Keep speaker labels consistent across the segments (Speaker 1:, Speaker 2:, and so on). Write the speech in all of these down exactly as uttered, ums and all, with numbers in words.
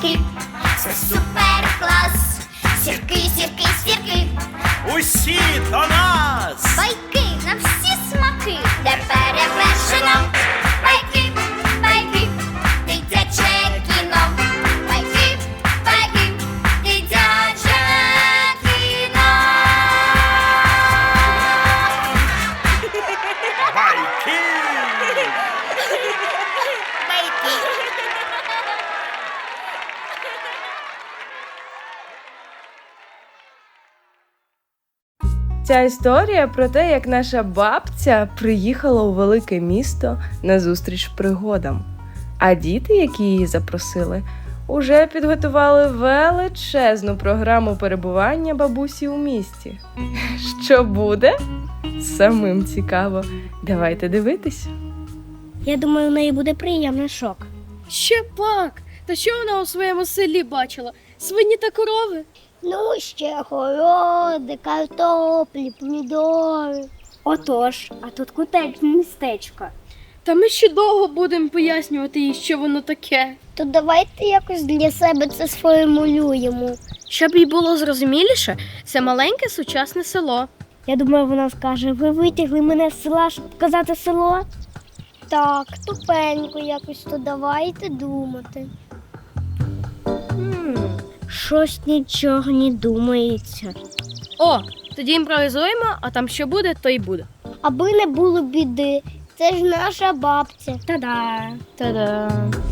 Speaker 1: сірки, це супер клас. Сірки, сірки, сірки,
Speaker 2: Усі до нас!
Speaker 1: байки на всі смаки, де перевершено. Байки, байки, дитяче кіно. Байки, байки, дитяче кіно.
Speaker 2: Байки!
Speaker 3: Ця історія про те, як наша бабця приїхала у велике місто на зустріч пригодам. А діти, які її запросили, уже підготували величезну програму перебування бабусі у місті. Що буде? Самим цікаво. Давайте дивитись.
Speaker 4: Я думаю, у неї буде приємний шок.
Speaker 5: Ще пак! Та що вона у своєму селі бачила? Свині та корови?
Speaker 4: Ну, ще городи, картоплі, помідори. Отож, а тут кутечне містечко.
Speaker 5: Та ми ще довго будемо пояснювати їй, що воно таке.
Speaker 4: То давайте якось для себе це сформулюємо.
Speaker 5: Щоб їй було зрозуміліше, це маленьке сучасне село.
Speaker 4: Я думаю, вона скаже, ви витягли мене з села, щоб показати село? Так, тупенько якось, то давайте думати. Хм, щось нічого не думається.
Speaker 5: О, тоді імпровізуємо, а там що буде, то й буде.
Speaker 4: Аби не було біди, це ж наша бабця. Та-да!
Speaker 5: Та-да!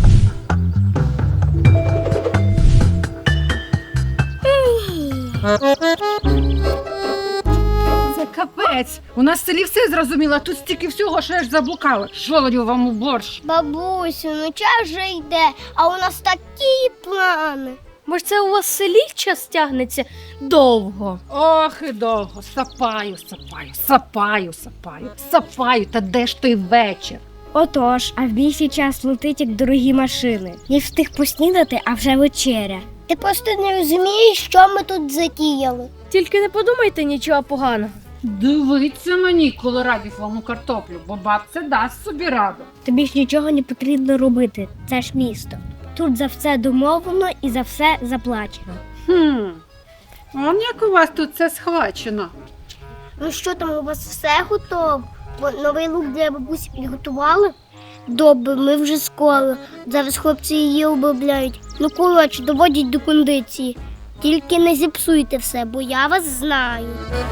Speaker 6: Це капець. У нас в селі все зрозуміло, а тут стільки всього, що я ж заблукала. Жолодів вам у борщ.
Speaker 4: Бабусю, ну час вже йде, а у нас такі плани.
Speaker 5: Може, це у вас в селі час тягнеться довго?
Speaker 6: Ох і довго. Сапаю, сапаю, сапаю, сапаю, сапаю. Та де ж той вечір?
Speaker 4: Отож, а в більший час летить, як дорогі машини. Не встиг поснідати, а вже вечеря. Ти просто не розумієш, що ми тут затіяли.
Speaker 5: Тільки не подумайте нічого поганого.
Speaker 6: Дивіться мені, колорадівому картоплю, бо бабця дасть собі раду.
Speaker 4: Тобі ж нічого не потрібно робити, це ж місто. Тут за все домовлено і за все заплачено.
Speaker 6: Хм, он як у вас тут це схвачено.
Speaker 4: Ну що там, у вас все готово? Бо новий лук для бабусі підготували? Добре, ми вже скоро. Зараз хлопці її обробляють. Ну, коротше, доводять до кондиції. Тільки не зіпсуйте все, бо я вас знаю.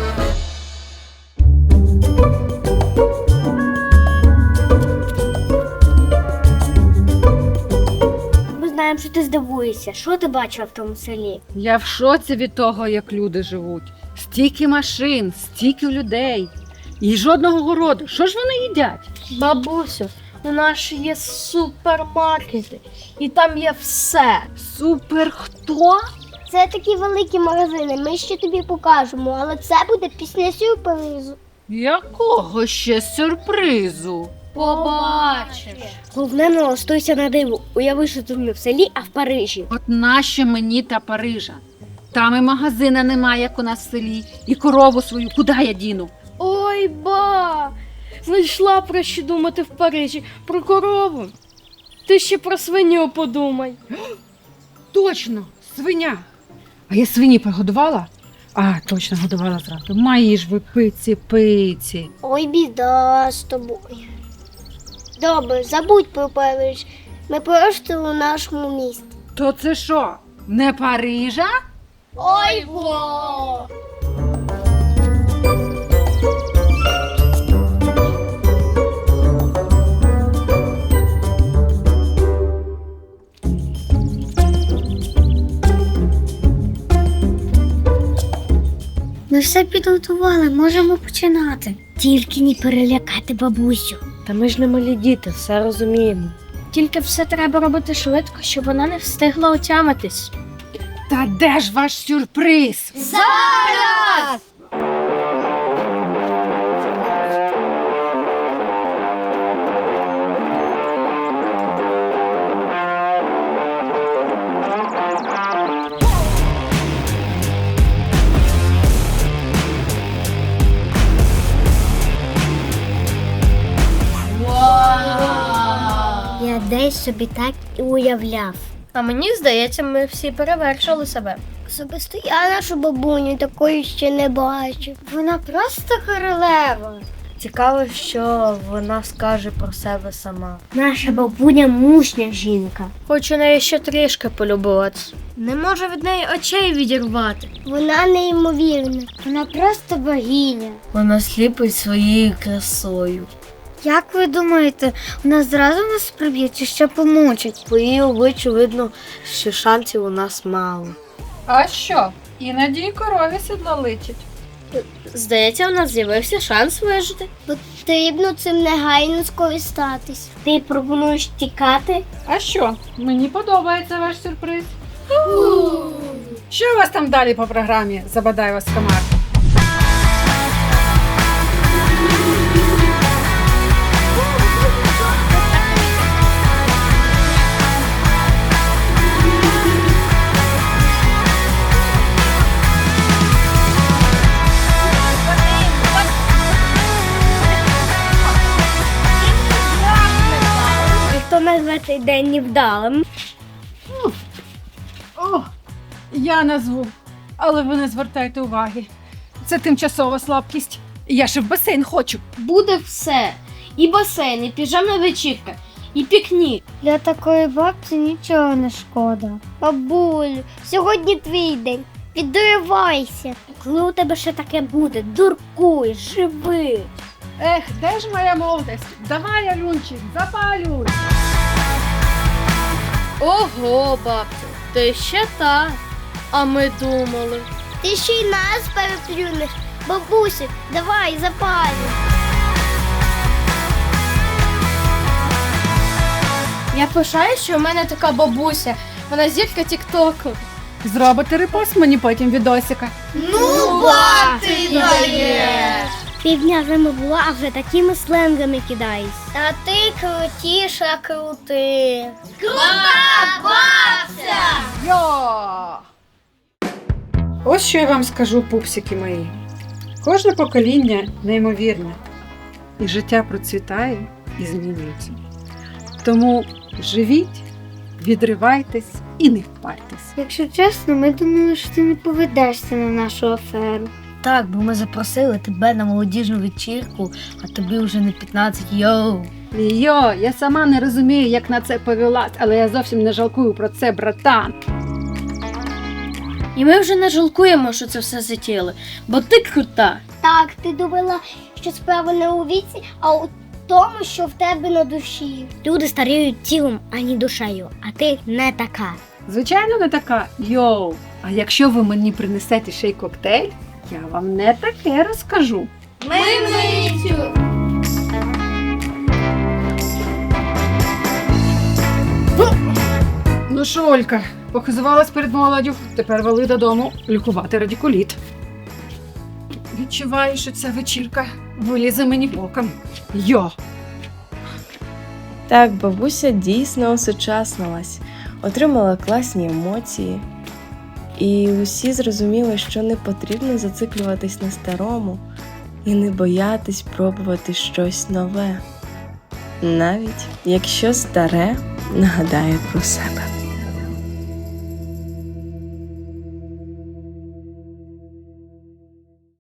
Speaker 4: Ми знаємо, що ти здивуєшся. Що ти бачила в тому селі?
Speaker 6: Я в шоці від того, як люди живуть. Стільки машин, стільки людей. І жодного городу. Що ж вони їдять?
Speaker 5: Бабусю, у нас ж є супермаркети, і там є все.
Speaker 6: Супер хто?
Speaker 4: Це такі великі магазини, ми ще тобі покажемо, але це буде після сюрпризу.
Speaker 6: Якого ще сюрпризу?
Speaker 5: Побачиш.
Speaker 4: Головне, не ластуйся на диву. Уяви, що тут не в селі, а в Парижі.
Speaker 6: От нащо мені та Парижа? Там і магазина немає, як у нас в селі, і корову свою куди я діну?
Speaker 5: Ой, ба! Знайшла про що думати в Парижі. Про корову. Ти ще про свиню подумай.
Speaker 6: Точно, свиня. А я свині пригодувала? А, точно, годувала зранку. Мої ж ви пиці, пиці.
Speaker 4: Ой, біда з тобою. Добре, забудь про Париж. Ми просто у нашому місті.
Speaker 6: То це що, не Парижа?
Speaker 4: Ой, во! Ми все підготували, можемо починати. Тільки не перелякати бабусю.
Speaker 5: Та ми ж не малі діти, все розуміємо. Тільки все треба робити швидко, щоб вона не встигла отямитись.
Speaker 6: Та де ж ваш сюрприз?
Speaker 4: Зараз! Я десь собі так і уявляв.
Speaker 5: А мені здається, ми всі перевершили себе.
Speaker 4: Особисто я нашу бабуню такої ще не бачив. Вона просто королева.
Speaker 5: Цікаво, що вона скаже про себе сама.
Speaker 4: Наша бабуня мужня жінка.
Speaker 5: Хочу неї ще трішки полюбуватися. Не можу від неї очей відірвати.
Speaker 4: Вона неймовірна. Вона просто богиня.
Speaker 5: Вона сліпить своєю красою.
Speaker 4: Як ви думаєте, вона зразу нас приб'є чи ще помучить?
Speaker 5: По її обличчю видно, що шансів у нас мало.
Speaker 6: А що? Іноді й корові сідло личить.
Speaker 5: Здається, у нас з'явився шанс вижити.
Speaker 4: Потрібно цим негайно скористатись. Ти пропонуєш тікати?
Speaker 6: А що? Мені подобається ваш сюрприз. Що у вас там далі по програмі? Забадай вас комар.
Speaker 4: І хто назве цей день невдалим?
Speaker 6: О, я назву, але ви не звертайте уваги. Це тимчасова слабкість. Я ще в басейн хочу.
Speaker 5: Буде все. І басейн, і піжамна вечірка, і пікнік.
Speaker 4: Для такої бабці нічого не шкода. Бабулю, сьогодні твій день. Підривайся. Коли у тебе ще таке буде, дуркуй, живи.
Speaker 6: Ех, де ж моя молодість? Давай, Алюнчик, запалюй.
Speaker 5: Ого, бабця, ти ще та. А ми думали.
Speaker 4: Ти ще й нас переплюнеш. Бабусю, давай, запалюй.
Speaker 5: Я пишаю, що в мене така бабуся. Вона зірка тіктоку.
Speaker 6: Зробите репост мені потім відосика.
Speaker 4: Ну, ба, ти даєш! Півдня вже не була, а вже такими сленгами кидаєш. А ти крутіша крути. Крута бабця!
Speaker 6: Йо! Ось що я вам скажу, пупсики мої. Кожне покоління неймовірне. І життя процвітає і змінюється. Тому живіть, відривайтесь і не впартесь.
Speaker 4: Якщо чесно, ми думали, що ти не поведешся на нашу аферу.
Speaker 5: Так, бо ми запросили тебе на молодіжну вечірку, а тобі вже не п'ятнадцять, йоу.
Speaker 6: Йо, я сама не розумію, як на це повелась, але я зовсім не жалкую про це, братан.
Speaker 5: І ми вже не жалкуємо, що це все затіяли, бо ти крута.
Speaker 4: Так, ти думала, що справа не у віці, а у тому, що в тебе на душі. Люди старіють тілом, а не душею, а ти не така.
Speaker 6: Звичайно, не така. Йоу. А якщо ви мені принесете ще й коктейль, я вам не таке розкажу.
Speaker 4: Ми митю!
Speaker 6: Ну що, Олька, похизувалась перед молоддю, тепер вали додому лікувати радикуліт. Відчуваю, що ця вечірка вилізе мені боком. Йо!
Speaker 3: Так, бабуся дійсно осучаснилась, отримала класні емоції. І усі зрозуміли, що не потрібно зациклюватись на старому і не боятись пробувати щось нове, навіть якщо старе нагадає про себе.